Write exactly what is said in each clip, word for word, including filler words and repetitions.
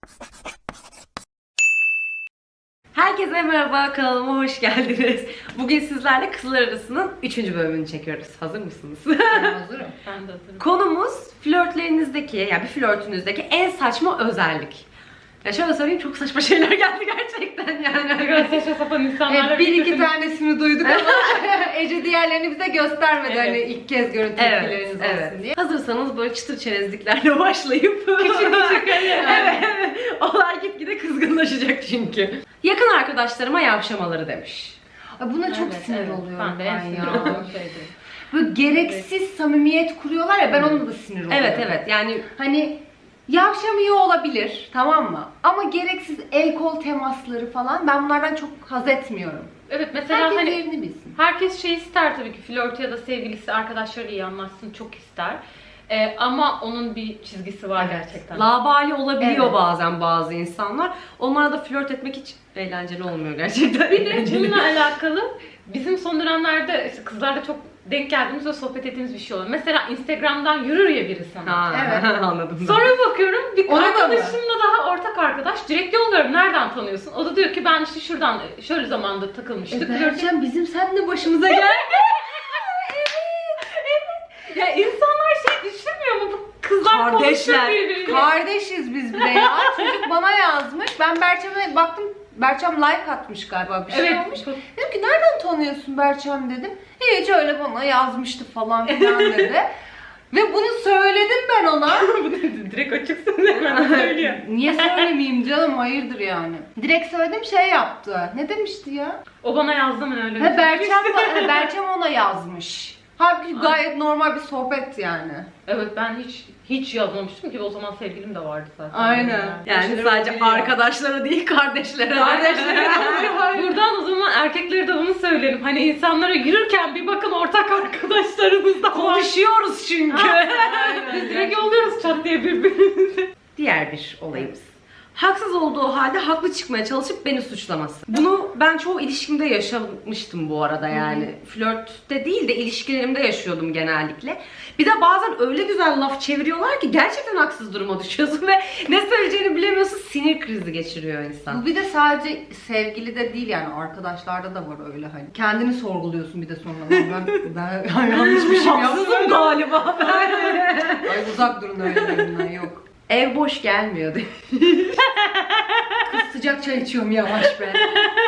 Herkese merhaba, kanalıma hoş geldiniz. Bugün sizlerle Kızlar Arası'nın üçüncü bölümünü çekiyoruz. Hazır mısınız? Ben hazırım. Ben de hazırım. Konumuz flörtlerinizdeki, yani bir flörtünüzdeki en saçma özellik. Ya şöyle söyleyeyim, çok saçma şeyler geldi gerçekten yani. Biraz saçma sapan insanlarla Evet, bir iki birlikte- tanesini duyduk ama Ece diğerlerini bize göstermedi Evet. hani ilk kez görüntü Evet, tepkileriniz olsun evet. diye. Hazırsanız böyle çıtır çerezliklerle başlayıp Küçük küçük hani. evet, olay gitgide kızgınlaşacak çünkü. Yakın arkadaşlarıma yavşamaları demiş. Ay buna çok Evet, sinir evet. oluyorum Ben de en sinir ya. olduğum şeydi. Böyle gereksiz samimiyet kuruyorlar ya, ben onunla da sinir oluyorum. Evet evet, yani Hani yavşamıyor olabilir, tamam mı? Ama gereksiz el kol temasları falan, ben bunlardan çok haz etmiyorum. Evet mesela Herkes hani yerini bilsin. herkes şey ister tabii ki, flört ya da sevgilisi arkadaşlarıyla iyi anlaşsın, çok ister. Ee, ama onun bir çizgisi var Evet. gerçekten. labali olabiliyor Evet. bazen bazı insanlar. Onlara da flört etmek hiç eğlenceli olmuyor gerçekten. Bir de bununla alakalı bizim son dönemlerde işte kızlarla çok denk geldiğimiz ve sohbet ettiğimiz bir şey oluyor. Mesela Instagram'dan yürür ya biri sana. Ha, Evet. anladım. Sonra bakıyorum bir Ona da mı? arkadaşımla daha ortak arkadaş, direkt yolluyorum nereden tanıyorsun? O da diyor ki ben işte şuradan şöyle zamanda takılmıştık. E Flört- Berçem, bizim seninle başımıza geldi. Ya insanlar şey düşünmüyor mu? Bu kızlar konuşuyor Kardeşler. birbiriyle. Kardeşiz biz bir de ya. Çocuk bana yazmış. Ben Berçem'e baktım. Berçem like atmış galiba, bir şey Evet. olmuş. Dedim ki nereden tanıyorsun Berçem dedim. Hiç, öyle bana yazmıştı falan filan dedi. Ve bunu söyledim ben ona. Direkt açıksın hemen söylüyor. Niye söylemeyeyim canım, hayırdır yani. Direkt söyledim, şey yaptı. Ne demişti ya? O bana yazdı mı öyle? Ha, Berçem, ba- Berçem ona yazmış. Halbuki gayet normal bir sohbet yani. Evet, ben hiç hiç yazmamıştım ki, o zaman sevgilim de vardı zaten. Aynen. Yani Şeyler sadece olabiliyor. arkadaşlara değil, kardeşlere. Kardeşlere Buradan o zaman erkeklere de bunu söyleyelim. Hani insanlara yürürken bir bakın, ortak arkadaşlarımız da var. Konuşuyoruz çünkü. Biz direkt yolluyoruz çat diye birbirimizi. Diğer bir olayımız. Haksız olduğu halde haklı çıkmaya çalışıp beni suçlaması. Bunu ben çoğu ilişkimde yaşamıştım bu arada yani. Flörtte değil de ilişkilerimde yaşıyordum genellikle. Bir de bazen öyle güzel laf çeviriyorlar ki gerçekten haksız duruma düşüyorsun ve ne söyleyeceğini bilemiyorsun, sinir krizi geçiriyor insan. Bu bir de sadece sevgilide değil yani, arkadaşlarda da var öyle hani. Kendini sorguluyorsun bir de sonra. Ben, ben, ben yanlış bir şey Haksızım yaptım. galiba. Ay uzak durun öylelerinden, yok. Ev boş gelmiyor diye. Kız sıcak çay içiyorum yavaş be.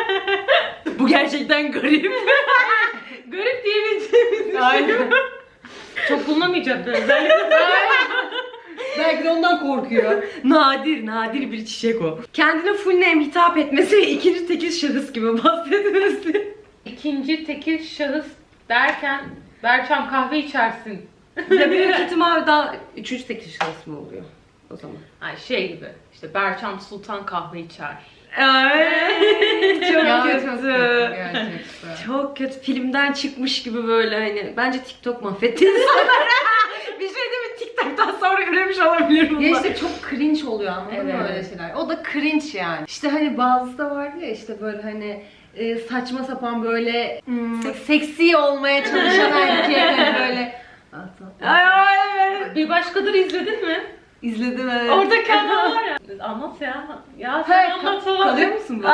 Bu gerçekten garip. Garip diyebileceğimiz bir şey. Aynen. Çok bulunamayacak bir özellik. Belki de ondan korkuyor. Nadir, nadir bir çiçek o. Kendine full name hitap etmesi ve ikinci tekil şahıs gibi bahsetmesi. İkinci tekil şahıs derken Berçem kahve içersin. Ya büyük ihtimal daha üçüncü tekil şahıs mı oluyor o zaman? Ay şey gibi, işte Berçem Sultan kahve içer. Ay, çok Ya, kötü. çok kötü gerçekten. Çok kötü. Filmden çıkmış gibi böyle hani. Bence TikTok mahvetti insanları. Bir şey değil mi? TikTok'tan sonra üremiş olabilir bunlar. Ya işte çok cringe oluyor, anladın mı Evet. öyle şeyler? O da cringe yani. İşte hani bazısı da vardı ya, işte böyle hani e, saçma sapan böyle hmm, seksi olmaya çalışan erkek hani böyle. Ay ay evet. Bir başkadır izledin mi? İzledim evet. Oradaki adam var ya. Anlat ya. Ya sen Ha, anlat ka- falan. kalıyor musun böyle?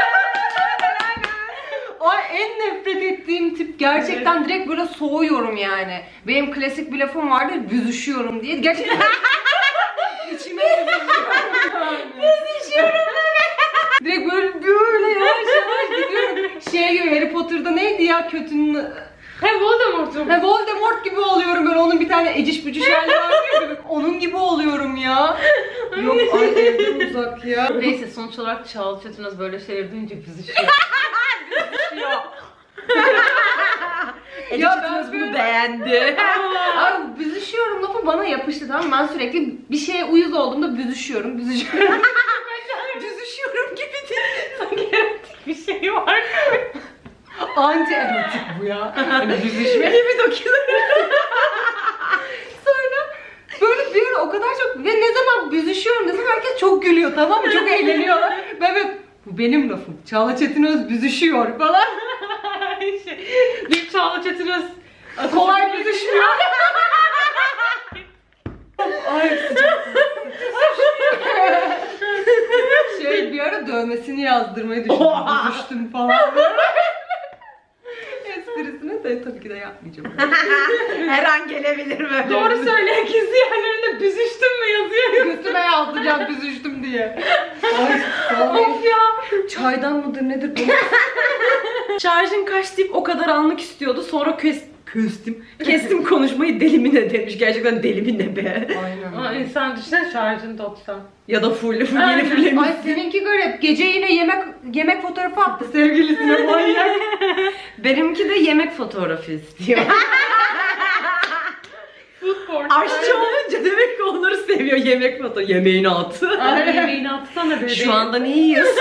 Ay, en nefret ettiğim tip gerçekten, direkt böyle soğuyorum yani. Benim klasik bir lafım vardır, büzüşüyorum diye. Gerçekten içime büzüşüyorum yani. Direkt böyle böyle yavaş yavaş gidiyorum. Şey gibi, Harry Potter'da neydi ya kötünün... He Voldemort'um. Ha, Voldemort gibi oluyorum böyle, onun bir tane eciş bücüş hali var ya, böyle. Onun gibi oluyorum ya. Yok ay, evden uzak ya. Neyse, sonuç olarak Çağla Çetinöz böyle şeyleri duyunca büzüşüyor. Ece Ya Çetinöz ben bunu böyle- beğendi. Abi büzüşüyorum lafı bana yapıştı, tamam mı? Ben sürekli bir şeye uyuz olduğumda büzüşüyorum, büzüşüyorum. Büzüşüyorum gibi değil. Sanki erotik bir şey var. Anti erotik bu ya. Hani büzüşme. gibi dokuyor. Sonra böyle bir ara o kadar çok, ve ne zaman büzüşüyorum desem herkes çok gülüyor, tamam mı? Çok eğleniyorlar. Ben böyle, bu benim lafım. Çağla Çetinöz büzüşüyor falan. şey, bir Çağla Çetinöz Kolay büzüşmüyor. Ay sıcak. dövmesini yazdırmayı düşündüm. Oha! Düştüm falan. Esprisini de tabii ki de yapmayacağım. Her an gelebilir böyle. Doğru söyle, gizli yerlerinde büzüştüm mü yazıyor. Götüme yazdıracağım büzüştüm diye. Ay, vallahi Of ya. çaydan mıdır nedir bu? Şarjın kaç deyip o kadar anlık istiyordu. Sonra kes, kestim. Kestim konuşmayı deli mi ne demiş. Gerçekten deli mi ne be. Aynen. Ama insan düşünsene şarjın doksan. Ya da full, full Aynen. yeni fullemiş. Ay seninki garip. Gece yine yemek yemek fotoğrafı attı sevgilisine manyak. Benimki de yemek fotoğrafı istiyor. Food porn. Aşçı olunca demek ki onları seviyor. Yemek fotoğrafı. Yemeğini at. Ay yemeğini atsana bebeğim. Şu anda ne yiyorsun?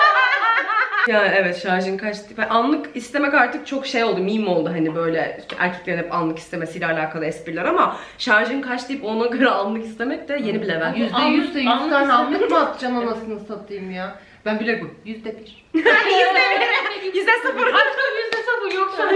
Yani evet, şarjın kaçtı. Ben anlık istemek artık çok şey oldu, meme oldu hani böyle erkeklerin hep anlık istemesiyle alakalı espriler ama şarjın kaç deyip ona göre anlık istemek de yeni bir level. Yüzde yüzse yüz Anlık tane istedim. anlık mı atacaksın anasını satayım ya? Ben bile bu. Yüzde bir. Yüzde sıfır. Aşkım yüzde sıfır yok şu an.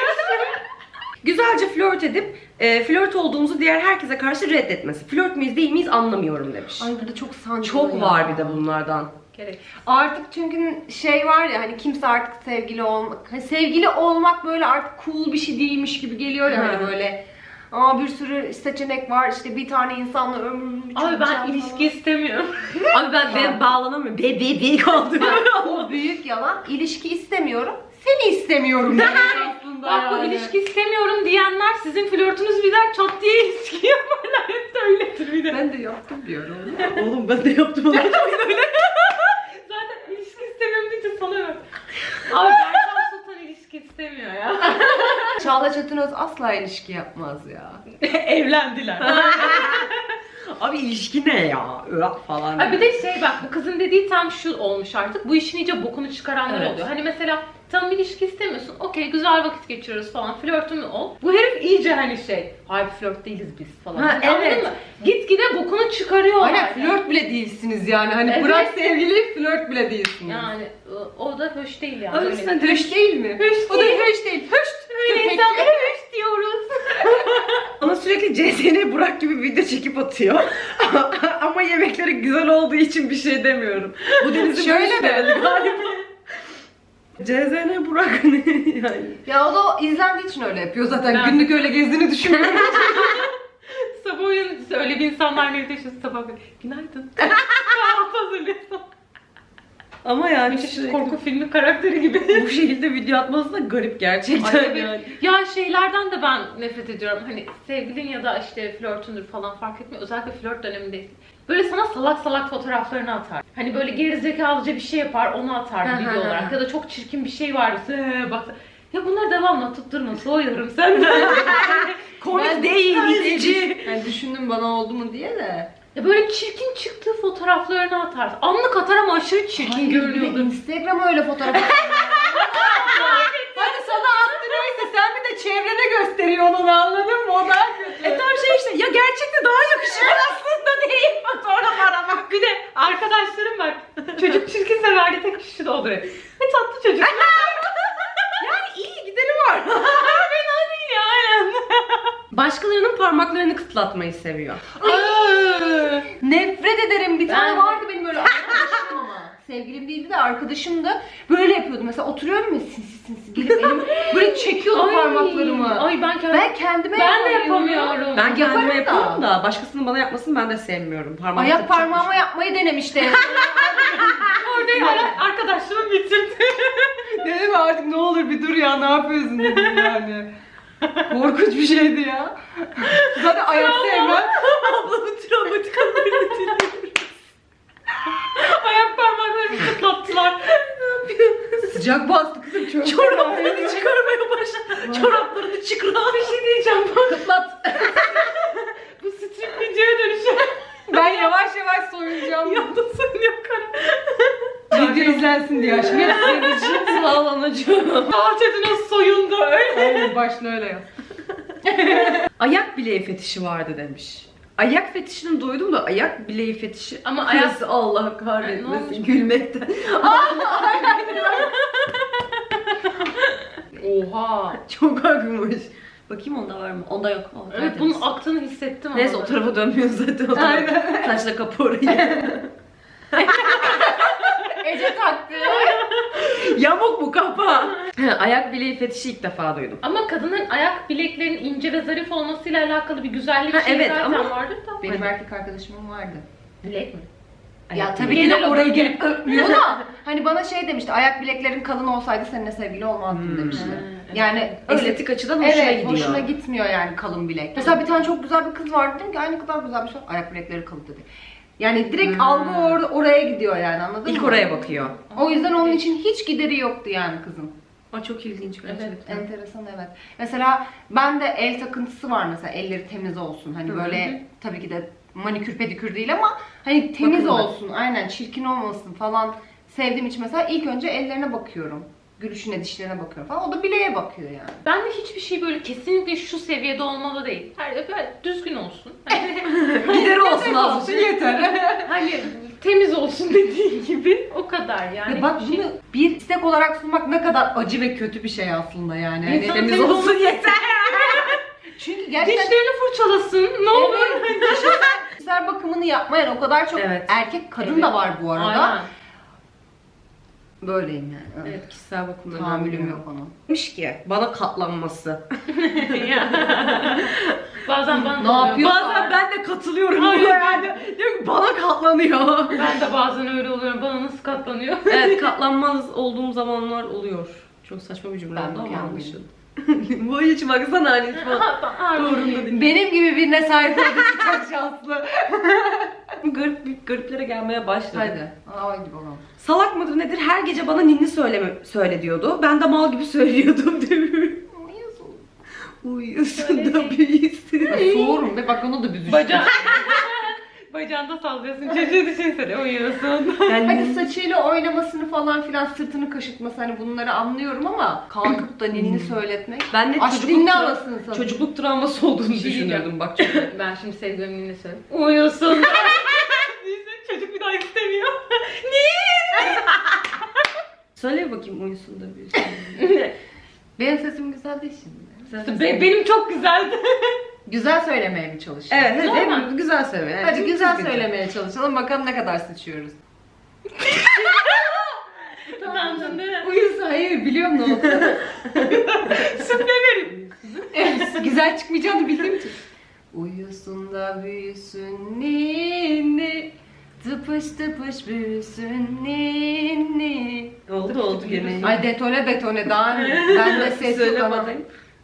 Güzelce flört edip e, flört olduğumuzu diğer herkese karşı reddetmesi. Flört müyüz değil miyiz anlamıyorum demiş. Ay burada çok sancılı Çok ya. var bir de bunlardan. Gerek. Artık çünkü şey var ya hani kimse artık sevgili olmak, hani sevgili olmak böyle artık cool bir şey değilmiş gibi geliyor ya hani Hı. böyle. Aa bir sürü seçenek var işte bir tane insanla ömrümü Abi ben ilişki istemiyorum. Abi ben, ben bağlanamıyorum. Be be be kaldım. O büyük yalan. İlişki istemiyorum. Seni istemiyorum demek aslında Bak bu yani. ilişki istemiyorum diyenler sizin flörtünüz biter çat diye ilişki yaparlar. Hep de öyledir bir de. Ben de yaptım diyorum. Oğlum ben de yaptım onu. Zaten ilişki istemiyorum deyince sana ver. Abi Berkan Sultan ilişki istemiyor ya. Çağla Çetinöz asla ilişki yapmaz ya. Evlendiler. Abi ilişki ne ya? Öh falan. Ay bir de şey bak bu kızın dediği tam şu olmuş artık. Bu işin iyice bokunu çıkaranlar Evet. oluyor. Hani mesela tam ilişki istemiyorsun. Okey güzel vakit geçiriyoruz falan. Flörtün ol. Bu herif iyice hani şey. Hayır flört değiliz biz falan. Ha, Anladın evet. mı? Gitgide bokunu çıkarıyorlar. Aynen flört bile değilsiniz yani. Hani Evet. bırak sevgili flört bile değilsiniz. Yani o- o da hoş değil yani. Öyle Öyle. sen Höş değil mi? Höş O da değil. höş değil. Höş. Öyle Köpek. insanlara hoş diyoruz. Bana sürekli C S N Burak gibi video çekip atıyor. Ama yemekleri güzel olduğu için bir şey demiyorum. Bu denizin Şöyle böyle mi? sevdi galiba. C S N Burak ne yani? Ya o da o izlendiği için öyle yapıyor zaten. Ben- Günlük öyle gezdiğini düşünmüyorum. Sabah uyanınca öyle bir insanlar nerede yaşıyorsun sabah böyle. Günaydın. Kahvaltı hazırlıyorsun. Ama yani Bir çeşit sürekli korku filmi karakteri gibi. bu şekilde video atması da garip gerçekten Ay, evet. yani. Ya şeylerden de ben nefret ediyorum. Hani sevgilin ya da işte flörtündür falan fark etmiyor. Özellikle flört dönemindeyiz. Böyle sana salak salak fotoğraflarını atar. Hani böyle gerizekalıca bir şey yapar, onu atar Hı hı video hı. olarak. Ya da çok çirkin bir şey var. Ee, bak. Ya bunları devamlı atıp durma. Soğuyorum senden. Komik Ben- değil, Ben- itici. Yani düşündüm bana oldu mu diye de. Ya böyle çirkin çıktığı fotoğraflarını atar. Anlık atar ama aşırı çirkin Hayır, bir de görünüyordur. Instagram'a öyle fotoğraf atıyor. Hadi sana attı neyse sen bir de çevrene gösteriyorsun onu anladın mı? O daha kötü. E tam şey işte ya gerçekte daha yakışıklı aslında değil fotoğraf aramak. Bir de arkadaşlarım var. Çocuk çirkinse verdiği tek kişi de olur. Ne tatlı çocuk. Yani iyi gideri var. Fena değil ya aynen. Başkalarının parmaklarını kıtlatmayı seviyor. Ay, nefret ederim. Bir tane Ben- vardı benim öyle arkadaşım ama. Sevgilim değildi de arkadaşım da böyle yapıyordu. Mesela oturuyorum ya sinsi sinsi gelip elim böyle çekiyordu Ay, parmaklarımı. Ay ben kendim... Ben kendime Ben de yapamıyorum. yapamıyorum. Ben kendime Yaparım da. yapıyorum da başkasının bana yapmasını ben de sevmiyorum. Parmağımı Ayak takacak parmağıma yapmayı denemişti. Orada ara- arkadaşlığımı bitirdi. Dedim artık ne olur bir dur ya ne yapıyorsun dedim yani. Korkunç bir şeydi ya. Zaten ayak sevmem. Ablamın travmatik anlarını dinliyorum. Ayak parmaklarımı kıtlattılar. Sıcak bastı kızım çok. Çoraplarını çıkarmaya başladı. Çoraplarını çıkar. Bir şey diyeceğim bak. Kıtlat. Bu strip videoya dönüşüyor. Ben yavaş yavaş soyunacağım. Yanda söylüyor kara. Video izlensin diye aşkım. Hep senin için. Sağ ol anacığım. Ahçedin o soyundu öyle. Aynen başla öyle yap. Ayak bileği fetişi vardı demiş. Ayak fetişini duydum da ayak bileği fetişi. Ama Kız, ayak... Allah Ne olmuş? kahretmesin gülmekten. Oha. Çok akmış. Bakayım onda var mı? Onda yok. Oh, Evet tertemiz. bunun aktığını hissettim Neyse ama. o tarafa dönmüyor zaten. O tarafa. Saçla kapı orayı. Ece Yamuk mu kafa? Ayak bileği fetişi ilk defa duydum. Ama kadının ayak bileklerinin ince ve zarif olmasıyla alakalı bir güzellik Ha, şeyi evet, zaten ama- vardır da. Benim erkek arkadaşımın vardı. Bilek mi? Ya Ayak tabii bileği. ki de Genel oraya olarak- gelip öpmüyor da hani bana şey demişti, ayak bileklerin kalın olsaydı seninle sevgili olmazdım Hmm. demişti. Hmm. Yani öyle Estetik açıdan hoşuna evet, gidiyor. hoşuna gitmiyor yani kalın bilek. Mesela bir tane çok güzel bir kız vardı, dedim ki ay ne kadar güzel bir şey, ayak bilekleri kalın dedi. Yani direkt Hmm. algı or- oraya gidiyor yani, anladın İlk mı? oraya bakıyor. O yüzden onun için hiç gideri yoktu yani kızın. Aa, çok ilginç gerçekten. Enteresan, evet. Mesela ben de el takıntısı var mesela, elleri temiz olsun. Hani Hı böyle tabii ki de manikür pedikür değil ama hani temiz Bakımlı. olsun. Aynen, çirkin olmasın falan. Sevdiğim için mesela ilk önce ellerine bakıyorum. Gülüşüne, dişlerine bakıyorum falan. O da bileğe bakıyor yani. Ben de hiçbir şey böyle kesinlikle şu seviyede olmalı değil. Her böyle düzgün olsun. Hani, Gideri olsun az. yeter. hani temiz olsun dediğin gibi o kadar yani. Ve bak Hiçbir şey- bunu bir istek olarak sunmak ne kadar acı ve kötü bir şey aslında yani. Hani İnsanın Temiz temiz olsun olması- yeter. çünkü gerçekten Dişlerini fırçalasın ne olur. evet, kişisel, kişisel bakımını yapmayan o kadar çok Evet. erkek kadın Evet. da var bu arada. Aynen. Böyleyim yani. Evet, kişisel bakımda Tahammülüm yok ona. Demiş ki bana katlanması. Bazen bana Ne da oluyor. yapıyor? Bazen ben de katılıyorum Hayır. buna yani. Diyorum ki bana katlanıyor. Ben de bazen öyle oluyorum. Bana nasıl katlanıyor? Evet, katlanmaz olduğum zamanlar oluyor. Çok saçma bir cümle Ben oldu ama mükemmelim. anlaşıldı. Bu hiç baksana hani hiç bak. Doğrunda değil. Benim gibi birine sahip olduğu için çok şanslı. Garip, gariplere gelmeye başladı. Hadi. Aa, hadi bakalım. Salak mıdır nedir her gece bana ninni söyleme, söyle diyordu. Ben de mal gibi söylüyordum değil mi? Uyusun da büyüsün. Ben soğurum ve bak onu da büzüştüm. Baca... Bacağında sallıyorsun. Çocuğu düşünsene uyuyorsun. Yani Hadi saçıyla oynamasını falan filan, sırtını kaşıtması, hani bunları anlıyorum ama kalkıp da ninni söyletmek. ben de Aç çocukluk, dinle tra- anasını satayım. çocukluk travması olduğunu Bir şey düşünüyordum bak. Çok... Ben şimdi sevgilimin ne söyleyeyim? Uyusun. Düşünsene, çocuk bir daha istemiyor. Söyle bakayım uyusun da büyüsün. Benim sesim güzel değil şimdi. Be- benim çok güzeldi. Güzel söylemeye mi çalışıyorsun? Evet, hadi Normal. hep güzel söyle. Yani Hadi çok güzel düzgünce. söylemeye çalışalım, bakalım ne kadar sıçıyoruz. Utandın değil mi? Uyusun, hayır biliyorum ne oldu. Süfle verin. Güzel çıkmayacağını bildiğim için. Uyusun da büyüsün ninni, tıpış tıpış büyüsün ninni. Oldu oldu gene. Ay detone betone daha ben de ses Söyle yok ama. bakayım.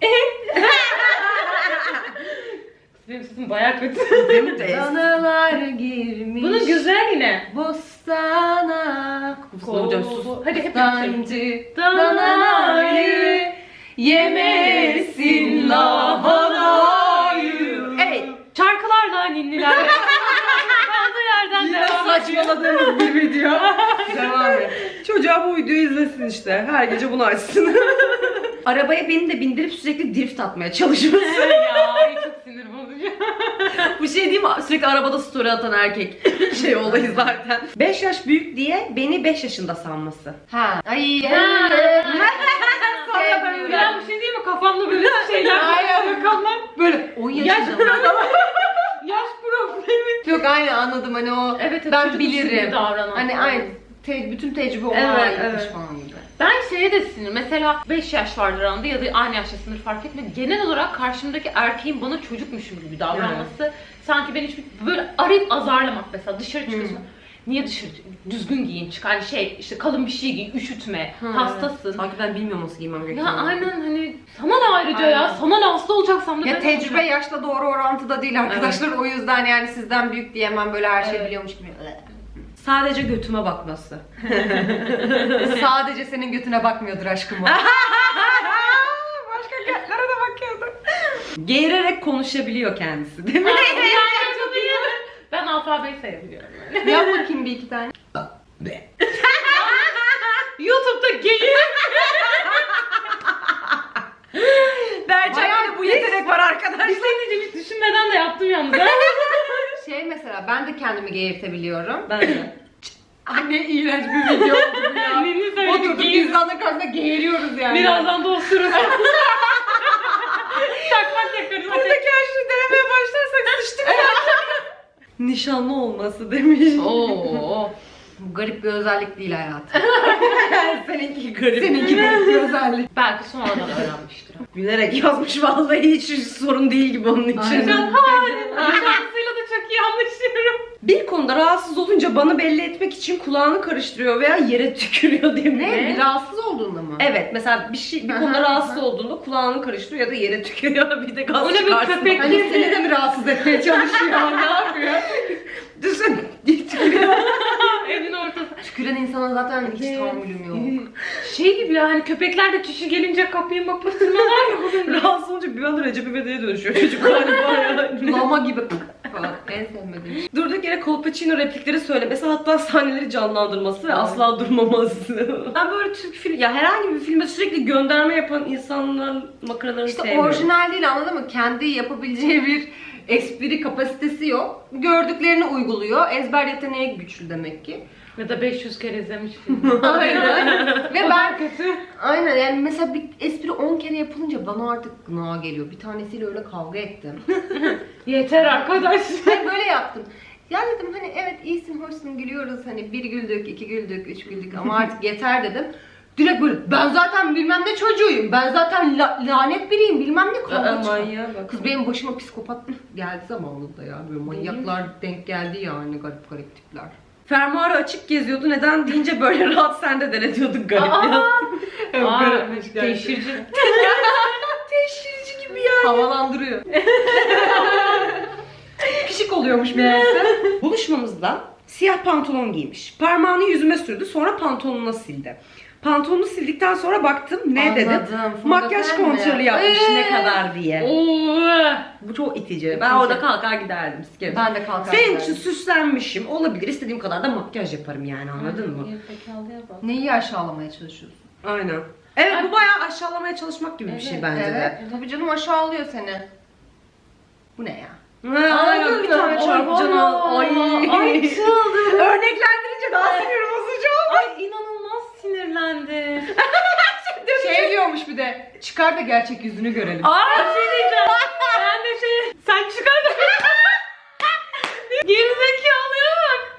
Benim sesim bayağı kötü. Değil mi teyze? Danalar girmiş Bunun güzel yine. bostana. Hocam sus. Hadi hep yapalım. Dancı danayı yemesin lahanayı. Evet. Şarkılarla ninnilerle. Kaldığı yerden Yine devam ediyor. saçmaladığımız bir video. Devam et. Çocuğa bu videoyu izlesin işte. Her gece bunu açsın. Arabaya beni de bindirip sürekli drift atmaya çalışması. ya ay çok sinir bozucu. Bu şey değil mi? Sürekli arabada story atan erkek şey olayı zaten. beş yaş büyük diye beni beş yaşında sanması. Ha. Ay. Ha. Sonra böyle. Ya bir şey değil mi? Kafamda böyle şeyler Aynen. rakamlar. Böyle on Yaş yaşında. Yaş problemi. Yok aynı anladım hani o Evet, evet, ben çocuk usulü bilirim. davranan. Hani aynı te- bütün tecrübe ona Evet, aitmiş evet. falan gibi. Ben şeye de sinir. Mesela beş yaş vardır aranda ya da aynı yaştasındır fark etmiyor. Genel olarak karşımdaki erkeğin bana çocukmuşum gibi davranması. Sanki ben hiçbir böyle arayıp azarlamak mesela dışarı çıkıyorsun. Niye dışarı düzgün giyin çık hani şey işte kalın bir şey giyin üşütme Ha, hastasın. Evet. Sanki ben bilmiyorum nasıl giymem Ya gerektiğini. aynen hani sana ne ayrıca ya Aynen. sana ne hasta olacaksam da Ya ben tecrübe olacağım. yaşla doğru orantıda değil arkadaşlar. O yüzden yani sizden büyük diyemem, böyle her şeyi Evet. biliyormuş gibi. Sadece götüme bakması. Sadece senin götüne bakmıyordur aşkım o. Başka götlere de bakıyordu. Geğirerek konuşabiliyor kendisi değil mi? Ha, yani çok iyi. Ben alfabeyi sayabiliyorum. Yani. Yap bakayım bir iki tane. YouTube'da geyik. Berçak'ta bu yetenek var arkadaşlar. Bir şey diyeceğim hiç düşünmeden de yaptım yalnız. Şey mesela ben de kendimi geğirtebiliyorum. Ben de. Anne iğrenç bir video oldu bu ya. Ninni söyledi Oturduk geyik. insanların karşısında geğiriyoruz yani. Birazdan da osururuz. Çakmak yakarız. Buradaki her şeyi denemeye başlarsak sıçtık ya. Nişanlı olması demiş. Oo. Bu garip bir özellik değil hayatım. Seninki garip. Seninki garip bir özellik. Belki sonradan öğrenmiştir. Gülerek yazmış vallahi, hiç sorun değil gibi onun için. Aynen. Şarkısıyla da çok iyi anlaşıyorum. Bir konuda rahatsız olunca bana belli etmek için kulağını karıştırıyor veya yere tükürüyor diye mi? Ne? Bir rahatsız olduğunda mı? Evet, mesela bir şey, bir konuda Aha, rahatsız aha. olduğunda kulağını karıştırıyor ya da yere tükürüyor, bir de gaz O ne bir çıkarsın. köpek? Hani seni de mi rahatsız etmeye çalışıyor? Ne yapıyor? Düşün, tükürüyor. Evin ortası. Tüküren insana zaten hiç Evet. tahammülüm yok. Şey gibi ya, hani köpekler de kişi gelince kapıyı kapatırmalar ya. Bu benim. Rahatsız olunca bir anda Recep İvedik'e dönüşüyor çocuk galiba ya. Lama gibi falan. En sevmediğim şey. Durduk yere Kolpaçino replikleri söylemesi, hatta sahneleri canlandırması ve Evet. asla durmaması. Ben böyle Türk film, ya herhangi bir filme sürekli gönderme yapan insanların makaralarını İşte sevmiyorum. orijinal değil, anladın mı? Kendi yapabileceği bir espri kapasitesi yok. Gördüklerini uyguluyor. Ezber yeteneği güçlü demek ki. Ya da beş yüz kere izlemiş film. Aynen. Ve O ben da kötü. aynen yani mesela bir espri on kere yapılınca bana artık gına geliyor. Bir tanesiyle öyle kavga ettim. Yeter arkadaş. Hani böyle yaptım. Ya dedim hani evet iyisin, hoşsun, gülüyoruz. Hani bir güldük, iki güldük, üç güldük ama artık yeter dedim. Direkt böyle ben zaten bilmem ne çocuğuyum. Ben zaten la- lanet biriyim bilmem ne kavga Aa, çıkar. manyağa bak. Kız benim başıma psikopat geldi zamanında ya. Böyle manyaklar denk geldi yani, garip garip tipler. Fermuarı açık geziyordu. Neden deyince böyle rahat sen de denetiyorduk garip ya. Aa, garipmiş gerçekten. teşhirci. Teşhirci gibi ya. Havalandırıyor. Pişik oluyormuş meğerse. Buluşmamızda siyah pantolon giymiş. Parmağını yüzüme sürdü, sonra pantolonuna sildi. Pantolonunu sildikten sonra baktım, ne dedim? Anladım. Makyaj Fondöten mi? kontrolü yapmış Ee? ne kadar diye. Oo. Bu çok itici. Ben İtici. orada kalkar giderdim. Sikerim. Ben de kalkar Senin giderdim. için süslenmişim. Olabilir. İstediğim kadar da makyaj yaparım yani, anladın mı? Gerizekalıya bak. Neyi aşağılamaya çalışıyorsun? Aynen. Evet, Ay. bu bayağı aşağılamaya çalışmak gibi bir şey Evet, bence Evet. de. Tabii canım, aşağılıyor seni. Bu ne ya? Ha, Anladın bir mı? tane çarpıcan al. Ay. Ay çıldım. Örneklendirince daha sinir bozucu. Ay inanılmaz sinirlendi. Şey diyormuş bir de, çıkar da gerçek yüzünü görelim. Aa şey diyeceğim. Ben de şey, sen çıkar da. Gerizekalıya bak.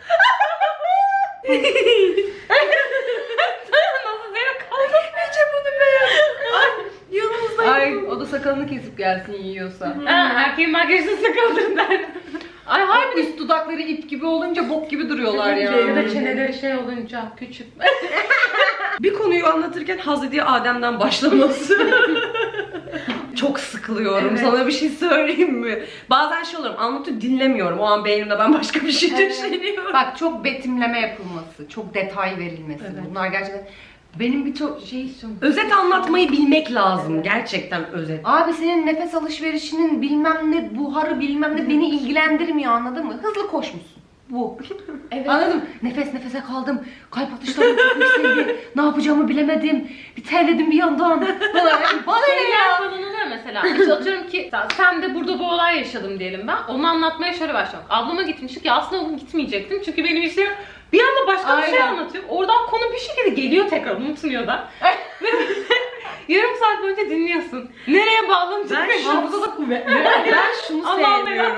Nasıl zevk aldın? Nece bunu be? Ay, yanımızda Ay, yok. o da sakalını kesip gelsin yiyorsa. Ha, erkeğin makyajını sıkıldım der. Ay harbi. Üst dudakları ip gibi olunca bok gibi duruyorlar ya. Ya da çeneleri şey olunca küçük. Bir konuyu anlatırken Hazreti Adem'den başlaması. Çok sıkılıyorum. Evet. Sana bir şey söyleyeyim mi? Bazen şey olurum, anlatıyor dinlemiyorum. O an beynimde ben başka bir şey Evet. düşünüyorum. Bak, çok betimleme yapılması, çok detay verilmesi. Evet. Bunlar gerçekten benim birçok şey istiyorum. Özet anlatmayı bilmek lazım. Gerçekten özet. Abi senin nefes alışverişinin bilmem ne buharı bilmem ne beni ilgilendirmiyor, anladın mı? Hızlı koşmuşsun. Bu. Evet. Anladın mı? Nefes nefese kaldım. Kalp atışlarım çok yükseldi. Ne yapacağımı bilemedim. Bir terledim bir yandan. Bana, bana ne Şeyler ya? falan oluyor mesela. İşte atıyorum ki sen de burada bu olay yaşadım diyelim ben. Onu anlatmaya şöyle başlıyorum. Ablama gitmiştik ya, aslında onu gitmeyecektim. Çünkü benim işlerim bir anda başka bir şey Aynen. anlatıyor. Oradan konu bir şekilde geliyor tekrar, unutmuyor da. Ve yarım saat boyunca dinliyorsun. Nereye bağlanacak? Ben Hafıza da kuvvetli. Ben şunu Allah'ım sevmiyorum.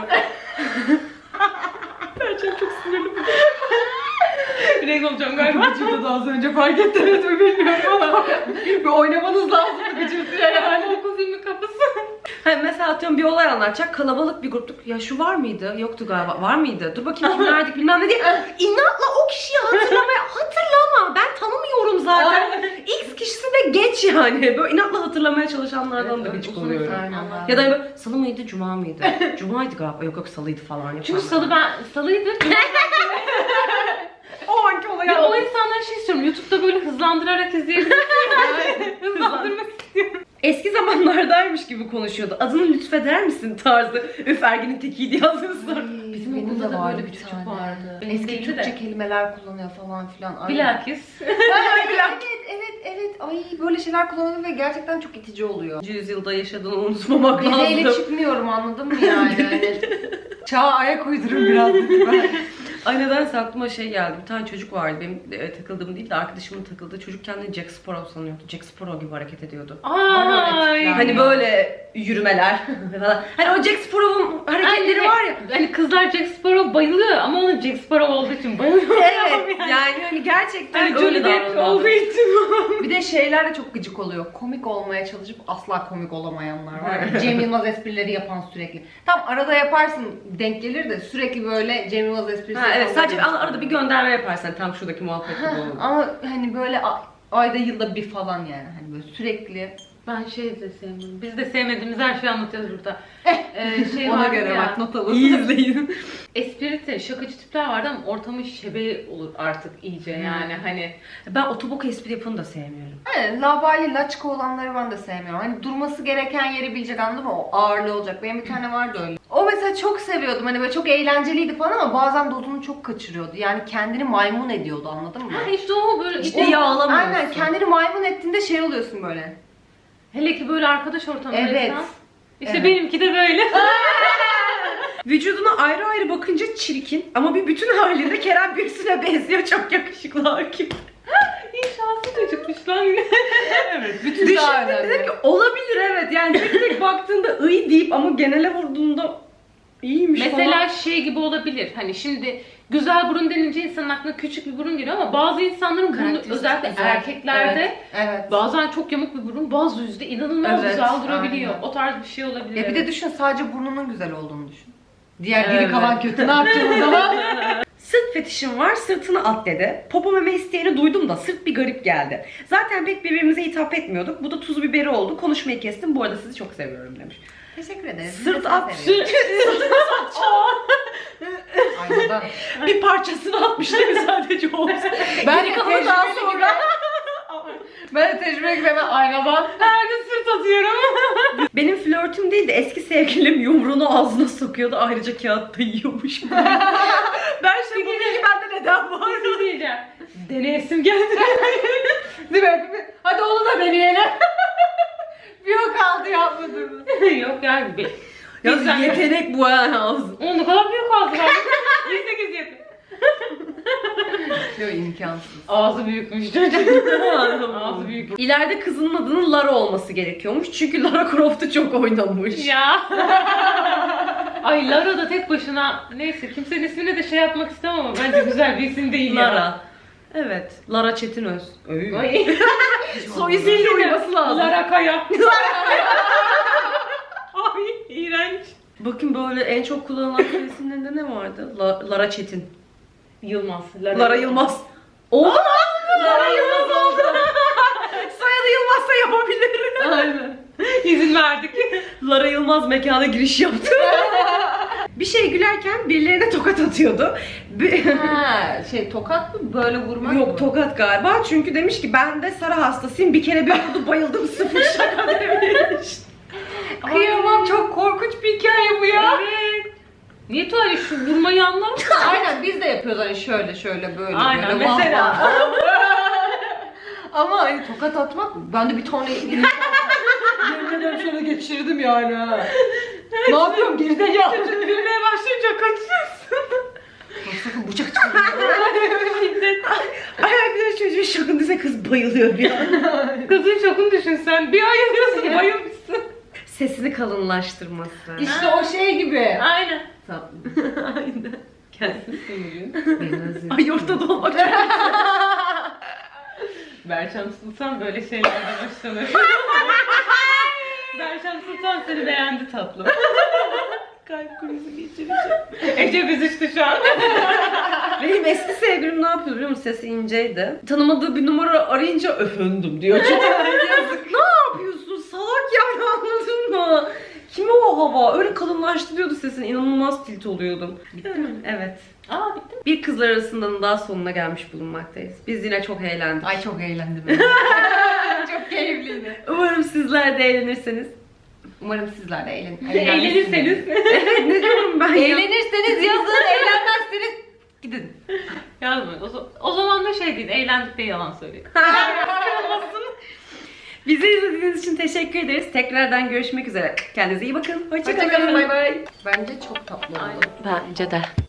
Gerçekten çok sinirli bu. Renk olacağım galiba. Gıcırtı da az önce fark ettiniz mi bilmiyorum ama bir oynamanız lazım gıcırtıya yani. dokuz yirmi kapısı. Hani mesela atıyorum bir olay anlatacak, kalabalık bir gruptuk. Ya şu var mıydı? Yoktu galiba. Var mıydı? Dur bakayım kimlerdik bilmem ne diye. İnatla o kişiyi hatırlamaya hatırlama. Ben tanımıyorum zaten. X kişisi de geç yani. Böyle inatla hatırlamaya çalışanlardan da gıcık oluyorum. Ya da hani böyle salı mıydı, cuma mıydı? Cumaydı galiba. Yok yok salıydı falan. Çünkü salı ben, salıydı. o anki olayı Ya o anlatıyor. insanlara şey istiyorum. YouTube'da böyle hızlandırarak izleyebilirim. Hızlandırmak istiyorum. Eski zamanlardaymış gibi konuşuyordu. Adını lütfeder misin tarzı. Üf Ergin'in tekiydi yazmışlar. Bizim Benim okulda de da vardı böyle bir bir çocuk tane. vardı. Eski Benimki Türkçe de. kelimeler kullanıyor falan filan. Ay. Bilakis. Ay, evet evet evet. Ay böyle şeyler kullanıyor ve gerçekten çok itici oluyor. Yüzyılda yaşadığını unutmamak Bileyle lazım. çıkmıyorum, anladın mı yani? Hani çağa ayak uydurun biraz lütfen. Ay nedense aklıma şey geldi. Bir tane çocuk vardı. Benim e, takıldığım değil de arkadaşımın takıldığı. Çocuk kendini Jack Sparrow sanıyordu. Jack Sparrow gibi hareket ediyordu. Ay. Hani böyle yürümeler falan. Hani o Jack Sparrow'un hareketleri Ay, var ya. Hani kızlar Jack Sparrow bayılıyor ama onun Jack Sparrow olduğu için bayılıyor. Evet yani hani gerçekten Hani öyle Johnny Depp davranıyordu. olduğu için. Bir de şeyler de çok gıcık oluyor. Komik olmaya çalışıp asla komik olamayanlar var. ya. Cem Yılmaz esprileri yapan sürekli. Tam arada yaparsın denk gelir de sürekli böyle Cem Yılmaz esprisi Ha, evet yapan sadece da- arada bir gönderme yaparsan tam şuradaki muhabbet gibi olur. Ama hani böyle a- ayda yılda bir falan yani. Hani böyle sürekli. Ben şey de sevmiyorum. Biz de sevmediğimiz her şeyi anlatıyoruz burada. Ee, şey Ona vardı göre ya, bak not alın. İyi izleyin. Esprili, şakacı tipler vardı ama ortamın şebeği olur artık iyice yani hani. Ben otobok espri yapanı da sevmiyorum. Hani labali laçka olanları ben de sevmiyorum. Hani durması gereken yeri bilecek, anladın mı? O ağırlığı olacak. Benim bir tane vardı öyle. O mesela çok seviyordum. Hani böyle çok eğlenceliydi falan ama bazen dozunu çok kaçırıyordu. Yani kendini maymun ediyordu, anladın mı? Ha işte o böyle İşte o- yağlamıyorsun. Aynen, kendini maymun ettiğinde şey oluyorsun böyle. hele ki böyle arkadaş ortamındaysan. Evet. İşte Evet. benimki de böyle. Vücuduna ayrı ayrı bakınca çirkin ama bir bütün halinde Kerem Bürsin'e benziyor. Çok yakışıklı hakim. İyi şanslı çocukmuş lan. Evet. Bütün daha Düşündüm önemli. dedim ki olabilir evet. Yani tek tek baktığında ıy deyip ama genele vurduğunda iyiymiş Mesela falan. şey gibi olabilir. Hani şimdi güzel burun denince insanın aklına küçük bir burun geliyor ama bazı insanların burnu Karakteristik özellikle güzel. erkeklerde Evet. Evet. bazen çok yamuk bir burun, bazı yüzde inanılmaz Evet, güzel durabiliyor. aynen. O tarz bir şey olabilir. Ya bir de düşün, sadece burnunun güzel olduğunu düşün. Diğer geri Evet. kalan kötü, ne yapacağız o zaman? Sırt fetişim var, sırtını at dedi. Popo meme isteğini duydum da sırt bir garip geldi. Zaten pek birbirimize hitap etmiyorduk. Bu da tuzu biberi oldu. Konuşmayı kestim. Bu arada sizi çok seviyorum demiş. Teşekkür ederiz. Sırt at, Sırt. Aynadan. bir parçasını atmış değil mi sadece olsun. Ben de Geri kalanı daha tecrübeli sonra. gibi. Ben de tecrübe gibi hemen aynadan. Her gün sırt atıyorum. Benim flörtüm değil de eski sevgilim yumruğunu ağzına sokuyordu. Ayrıca kağıt da yiyormuş. Ben şey bu bilgi bende neden var? Bir şey diyeceğim. Deneyesim geldi. Değil mi? Hadi onu da deneyelim. Bir o kaldı yapmadığımız. Yok yani bir. Ya Güzel. yetenek bu ha ağzı. O ne kadar büyük ağzı var. yirmi sekiz yapıyor. Yok, imkansız. Ağzı büyükmüş çocuk. Ağzı büyük. İleride kızının adının Lara olması gerekiyormuş. Çünkü Lara Croft'u çok oynamış. Ya. Ay Lara da tek başına, neyse kimsenin ismini de şey yapmak istemem ama bence güzel bir isim değil ya. Lara. Evet. Lara Çetinöz. Öyle. Ay. Soy ismiyle uyması lazım. Lara Kaya. Ay iğrenç. Bakın böyle en çok kullanılan soy isimlerinde ne vardı? La- Lara Çetin. Yılmaz. Lara Yılmaz. Oldu mu? Lara Yılmaz oldu. Soyadı Yılmazsa yapabilir. Aynen. İzin verdik. Lara Yılmaz mekana giriş yaptı. Bir şey gülerken birilerine tokat atıyordu. Bir- Ha, şey tokat mı? Böyle vurmak mı? Yok tokat galiba çünkü demiş ki ben de Sara hastasıyım bir kere bir vurdu bayıldım sıfır şaka demiş. Kıyamam, çok korkunç bir hikaye bu ya. Evet. Niye tuvalet şu vurmayı anlar? Aynen, biz de yapıyoruz hani şöyle şöyle böyle Aynen, böyle. vah mesela. vah. Ama hani tokat atmak, ben de bir tane yemin ederim şöyle geçirdim yani ha. Ne yapıyorum gerizekalı? Gülmeye başlayınca kaçıyorsun. Sakın bıçak çıkıyor. Ay ay bir de çocuğun şokundaysa kız bayılıyor bir an. Kızın şokunu düşün sen. Bir ay yazıyorsun bayılmışsın. Sesini kalınlaştırması. İşte o şey gibi. Aynen. Aynen. Gelsin bugün. Beni özledim. Ay ortada olmak çok Berçem Sultan böyle şeylerden hoşlanır. Berçem Sultan seni beğendi tatlım. kalp krizi geçireceğim. Ece büzüştü şu an. Benim eski sevgilim ne yapıyordu biliyor musun? Sesi inceydi. Tanımadığı bir numara arayınca efendim diyor. Çok yazık. Ne yapıyorsun? Salak yani anladın mı? Kime o hava? Öyle kalınlaştırıyordu sesini. İnanılmaz tilt oluyordum. Bitti mi? Evet. Aa bitti mi? Bir kızlar arasından daha sonuna gelmiş bulunmaktayız. Biz yine çok eğlendik. Ay çok eğlendim. Çok keyifliydi. Umarım sizler de eğlenirseniz. Umarım sizler de eğlen Eğlenirseniz. Evet ne diyorum ben ya? Eğlenirseniz yazın, eğlenmezseniz gidin. Yazmayın. O, za- o zaman da şey değil, eğlendik de yalan söyleyin. Bizi izlediğiniz için teşekkür ederiz. Tekrardan görüşmek üzere. Kendinize iyi bakın. Hoşçakalın. Hoşçakalın, bay bay. Bence çok tatlı oldu. Bence de.